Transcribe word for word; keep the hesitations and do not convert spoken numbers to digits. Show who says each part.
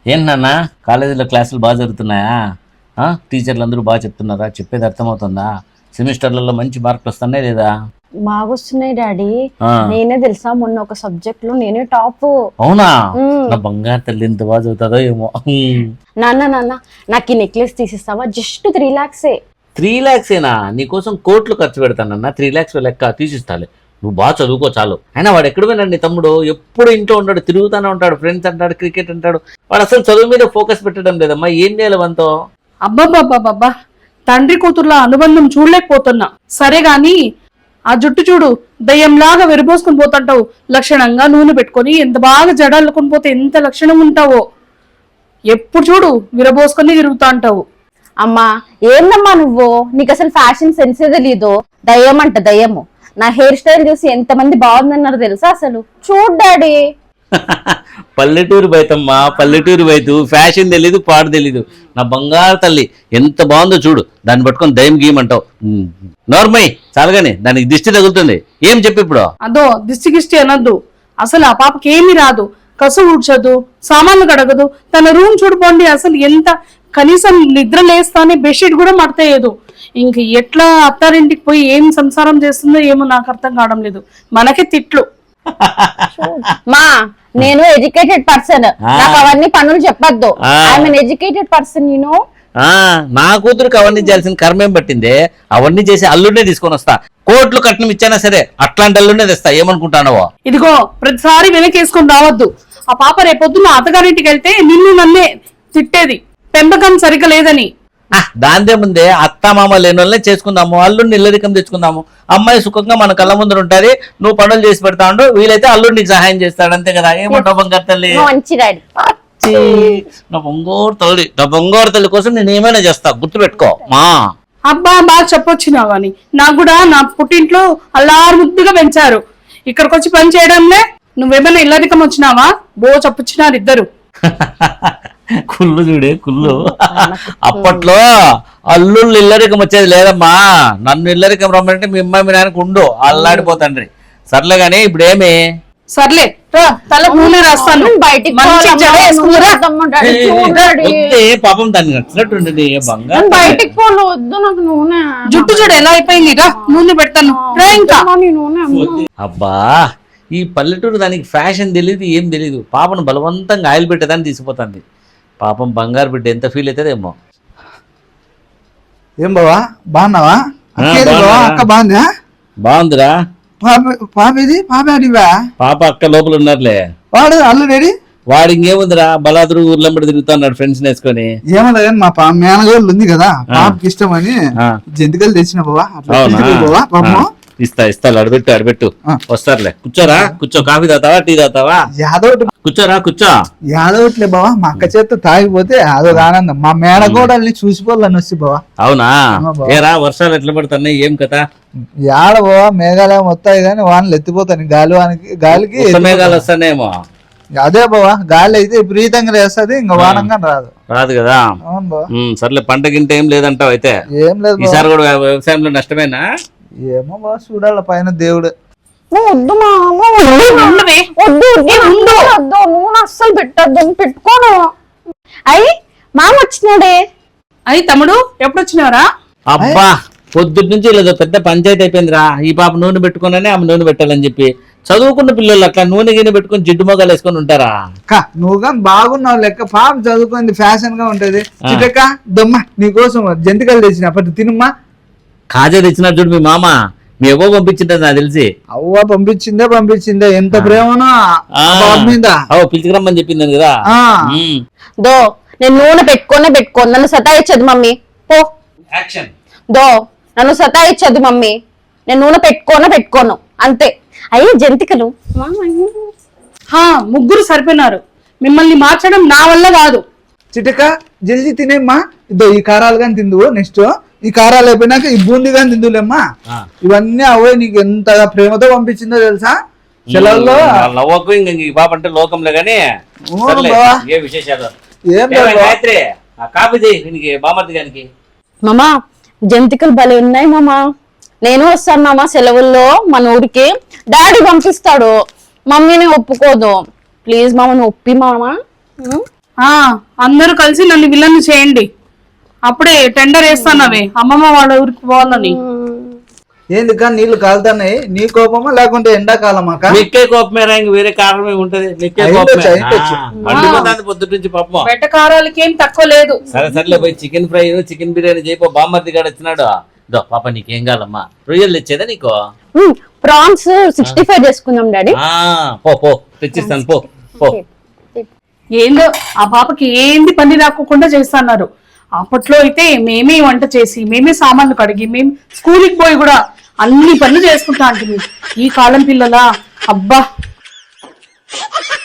Speaker 1: ఏంటన్నా కాలేజీలో క్లాసులు బాగా జరుగుతున్నాయా? టీచర్లు అందరూ బాగా చెప్తున్నారా? చెప్పేది అర్థమవుతుందా? సెమిస్టర్లలో మంచి మార్కులు వస్తున్నాయి లేదా?
Speaker 2: బాగా వస్తున్నాయి డాడీ. నేనే తెలుసా మొన్న ఒక సబ్జెక్ట్ లో నేనే టాప్.
Speaker 1: అవునా? నా బంగారు తల్లి ఎంత బాగా చదువుతుందో ఏమో.
Speaker 2: నాన్న నాన్న నాకు ఈ నెక్లెస్ తీసిస్తావా? జస్ట్ త్రీ లాక్సే.
Speaker 1: త్రీ లాక్స్ ఏనా? నీకోసం కోట్లు ఖర్చు పెడతానన్నా. త్రీ లాక్స్ లెక్క తీసిస్తాలే, నువ్వు బాగా చదువుకో చాలు. అయినా వాడు ఎక్కడ పోయినాడు నీ తమ్ముడు? ఎప్పుడు ఇంట్లో ఉంటాడు, తిరుగుతూనే ఉంటాడు, ఫ్రెండ్స్ అంటాడు, క్రికెట్ అంటాడు. వాడు అసలు చదువు మీద ఫోకస్ పెట్టడం లేదమ్మా. ఏం చేయాలి వంతో?
Speaker 3: అబ్బాబ్బాబ్బాబ్బా, తండ్రి కూతుర్ల అనుబంధం చూడలేకపోతున్నా. సరే గాని ఆ జుట్టు చూడు, దయ్యంలాగా విరబోసుకుని పోతుంటావు. లక్షణంగా నూనె పెట్టుకొని ఎంత బాగా జడల్లుకొని పోతే ఎంత లక్షణం ఉంటావో. ఎప్పుడు చూడు విరబోసుకొని తిరుగుతా అంటావు.
Speaker 2: అమ్మా ఏందమ్మా నువ్వు? నీకు అసలు ఫ్యాషన్ సెన్సే తెలీదు. దయ్యం అంట దయ్యము. నా హెయిర్ స్టైల్ చూసి ఎంత మంది బాగుందన్నారు తెలుసా? అసలు చూడు డాడీ.
Speaker 1: పల్లెటూరు బయటమ్మా, పల్లెటూరు బయట ఫ్యాషన్ తెలీదు, పాడు తెలీదు. నా బంగారు తల్లి ఎంత బాగుందో చూడు. దాన్ని పట్టుకొని దయ్యం గీయమంటావు. నోర్మై చాలుగానే, దానికి దిష్టి తగులుతుంది. ఏం చెప్పి ఇప్పుడు?
Speaker 3: అదో దిష్టి గిష్టి అనొద్దు. అసలు ఆ పాపకి ఏమీ రాదు. కసు ఊడ్చదు, సామాన్లు కడగదు. తన రూమ్ చూడుకోండి, అసలు ఎంత కనీసం నిద్ర లేస్తానే బెడ్షీట్ కూడా మడతేయదు. ఇంక ఎట్లా అత్తారింటికి పోయి ఏం సంసారం చేస్తుందో ఏమో నాకు అర్థం కావడం లేదు. మనకే తిట్లు.
Speaker 2: మా నేను ఎడ్యుకేటెడ్ పర్సన్, నాకు అవన్నీ పనులు చెప్పొద్దు. ఐఎమ్ ఎన్ ఎడ్యుకేటెడ్ పర్సన్ నేను.
Speaker 1: నా కూతురుకి అవన్నీ చేయాల్సిన కర్మేం పట్టిందే? అవన్నీ చేసి అల్లుడినే తీసుకొని వస్తా. కోట్లు కట్నం ఇచ్చానా సరే అట్లాంటి అల్లుడినే తెస్తా. ఏమనుకుంటానవో?
Speaker 3: ఇదిగో ప్రతిసారి వెనకేసుకొని రావద్దు. ఆ పాప రేపొద్దున అత్తగారింటికి వెళ్తే నిన్ను నన్నే తిట్టేది, పెంపకం సరిగ్గా లేదని.
Speaker 1: దాందే ముందే అత్త మామ లేని వాళ్ళనే చేసుకుందాము, అల్లుడిని ఇల్లరికం తెచ్చుకుందాము. అమ్మాయి సుఖంగా మన కళ్ళ ముందర ఉంటది, నువ్వు పనులు చేసి పెడతా ఉండు, వీలైతే అల్లుడు నీకు సహాయం చేస్తాడు. అంతే కదా? ఏమంటావు బంగారు తల్లి?
Speaker 2: మంచి డాడీ.
Speaker 1: నా బొంగోరు తల్లి, నా బొంగోరు తల్లి కోసం నేను ఏమైనా చేస్తా, గుర్తుపెట్టుకో మా.
Speaker 3: అబ్బా బాగా చెప్పొచ్చినావు కానీ నాకు కూడా నా పుట్టింట్లో అల్లారు ముద్దుగా పెంచారు. ఇక్కడికి వచ్చి పని చేయడంలే. నువ్వేమైనా ఇల్లరికం వచ్చినావా? బో చెప్పొచ్చినారు ఇద్దరు.
Speaker 1: కుళ్ళు చూడే కుళ్ళు. అప్పట్లో అల్లుళ్ళు ఇల్లరికం వచ్చేది లేదమ్మా. నన్ను ఇల్లరికం రమ్మంటే మీ అమ్మాయి మీ నాన్నకు ఉండు, అల్లాడిపోతండ్రి. సర్లే గానీ ఇప్పుడు ఏమి?
Speaker 3: సర్లే తల నూనె రాస్తాను.
Speaker 2: బయటికి
Speaker 1: పాపం దాన్ని నచ్చినట్టుండి బంగారు.
Speaker 2: బయటికి పోలు వద్దు, నాకు నూనె.
Speaker 3: జుట్టు చూడు ఎలా అయిపోయింది. నూనె పెడతాను.
Speaker 1: అబ్బా ఈ పల్లెటూరు దానికి ఫ్యాషన్ తెలియదు, ఏం తెలియదు. పాపను బలవంతంగా ఆయిల్ పెట్టేదాన్ని తీసిపోతుంది. పాపం బంగారు బిడ్డ ఎంత ఫీల్ అవుతుందేమో.
Speaker 4: ఏం బావా బాగున్నావా? అక్క బాగుందా?
Speaker 1: బాగుందిరా.
Speaker 4: పాప ఇది పాప అడివా?
Speaker 1: పాప అక్క లోపల ఉన్నారులే.
Speaker 4: వాడు అల్లుడేడి?
Speaker 1: వాడు ఇంకేముందిరా, బలాదురు ఊర్లంబడి తిరుగుతున్నాడు ఫ్రెండ్స్ వేసుకొని.
Speaker 4: ఏమన్నా కానీ మా పా మేనగోళ్ళు ఉంది కదా, పాపకి ఇష్టం అని జంతికలు తెచ్చిన బావా. బావా పాపం
Speaker 1: ఇస్తా ఇస్తా అడబెట్టు అడబెట్టు వస్తారులే. కూర్చోరా, కూర్చో. కాఫీ తాతావా, టీ తాతావా?
Speaker 4: యాదవ్
Speaker 1: కూర్చోరా, కూర్చో.
Speaker 4: యాదవట్లే బావా, మా అక్క చేత తాగిపోతే అదొక ఆనందం. మా మేనగోడల్ని చూసిపోవాలని వచ్చి బావా.
Speaker 1: అవునా? ఏరా వర్షాలు ఎట్లా పడుతున్నాయి, ఏం కదా?
Speaker 4: యాడ బావా మేఘాలయం వస్తాయి కానీ వానలు ఎత్తిపోతాయి. గాలి వానికి గాలికి
Speaker 1: మేఘాలు వస్తానేమో.
Speaker 4: అదే బావా, గాలి అయితే విపరీతంగా వేస్తుంది, ఇంకా వానంగా రాదు.
Speaker 1: రాదు కదా?
Speaker 4: అవును బావా.
Speaker 1: సర్లే, పంట గింట ఏం లేదంటావు అయితే?
Speaker 4: ఏం లేదు.
Speaker 1: ఈసారి కూడా వ్యవసాయంలో నష్టమేనా?
Speaker 4: ఏమో బాగా చూడాల పైన దేవుడు.
Speaker 2: వద్దు మా వద్దు వద్దు, నూనె అస్సలు పెట్టద్దు, పెట్టుకోను. అయ్యి మామ వచ్చినాడే.
Speaker 3: అయ్యి తమ్ముడు ఎప్పుడు వచ్చినారా?
Speaker 1: అబ్బా పొద్దుటి నుంచి లేదు పెద్ద పంచాయతీ అయిపోయిందిరా. ఈ పాప నూనె పెట్టుకున్నానే ఆమె నూనె పెట్టాలని చెప్పి. చదువుకున్న పిల్లలు అట్లా నూనె గిన్నె పెట్టుకుని జిడ్డు మొగాలు వేసుకొని ఉంటారా?
Speaker 4: నువ్వు కానీ బాగున్నావు లెక్క. పాప చదువుకుంది, ఫ్యాషన్ గా ఉంటది. చిటక దొమ్మ నీకోసం జంతికలు తెచ్చిన అప్పటి తినుమ్మా.
Speaker 1: కాజా తెచ్చినా చూడు మీ మామ. మీ ఎవ్వ పంపించింది నాకు తెలిసి.
Speaker 4: అవ్వ పంపించిందే పంపించిందే. ఎంత ప్రేమనో మీద.
Speaker 1: అవ్వ పిలిచిరమ్మని చెప్పింది కదా.
Speaker 2: దో నేను నూనె పెట్టుకోనే పెట్టుకోను, నన్ను సతాయిచ్చదు మమ్మీ. పో. దో నన్ను సతాయిచ్చదు మమ్మీ, నేను నూనె పెట్టుకోనే పెట్టుకోను అంతే. అయ్యి జంతికలు
Speaker 3: ముగ్గురు సరిపోయినారు. మిమ్మల్ని మార్చడం నా వల్ల కాదు.
Speaker 4: చిటక జల్దీ తినేమ్మా. ఇదో ఈ కారాలు కానీ తిందువు. నెక్స్ట్ ఈ కారాలు అయిపోయినాక ఈ బూంది కానీ తిందులేమ్మా. ఇవన్నీ అవే నీకు ఎంతగా ప్రేమతో పంపించిందో తెలుసా? సెలవుల్లో
Speaker 1: నవ్వకు. ఇంక ఈ పాప అంటే లోకంలో గానీ ఏ విశేషాలు
Speaker 4: ఏం
Speaker 1: కాపీ చేయి బామర్ది గారికి.
Speaker 2: మామా జంతికలు భలే ఉన్నాయి మామా. నేను వస్తాను మామా సెలవుల్లో మన ఊరికి. డాడీ పంపిస్తాడు, మమ్మీని ఒప్పుకోదు. ప్లీజ్ మామ నువ్వు ఒప్పి మామా.
Speaker 3: ఆ అందరూ కలిసి నన్ను విలన్ చేయండి, అప్పుడే టెండర్ వేస్తానవే అమ్మమ్మ వాళ్ళ ఊరికి పోవాలని.
Speaker 4: ఏందికా నీళ్లు కాలుతున్నాయి, నీ కోపమా లేకుంటే ఎండాకాలమా అక్క?
Speaker 1: నిక్కే కోపమేరా, ఇంక వేరే కారణమే ఉంటది. నిక్కే
Speaker 4: అయ్యుండొచ్చు,
Speaker 1: కోపమే
Speaker 4: అయ్యుండొచ్చు.
Speaker 1: మండిపోతుంది పొద్దుటి నుంచి పాపం.
Speaker 3: వెటకారాలకి ఏం తక్కువ లేదు.
Speaker 1: సరే సర్లే పోయి చికెన్ ఫ్రై చికెన్ బిర్యానీ చేయిపో. బామ్మర్ది గారు వచ్చినాడు. దో పాప నీకేం కావాలమ్మా, రొయ్యలు తెచ్చేదా నీకు?
Speaker 2: ప్రాన్స్ సిక్స్టీ ఫైవ్ చేసుకుందాం డాడీ.
Speaker 1: ఆ పో పో తెచ్చిస్తాను పో పో.
Speaker 3: ఏందో ఆ పాపకి ఏంది పని రాకోకుండా చేస్తున్నారు. అప్పట్లో అయితే మేమే వంట చేసి మేమే సామాన్లు కడిగి మేము స్కూల్కి పోయి కూడా అన్ని పనులు చేసుకుంటా అంటే ఈ కాలం పిల్లలా అబ్బా.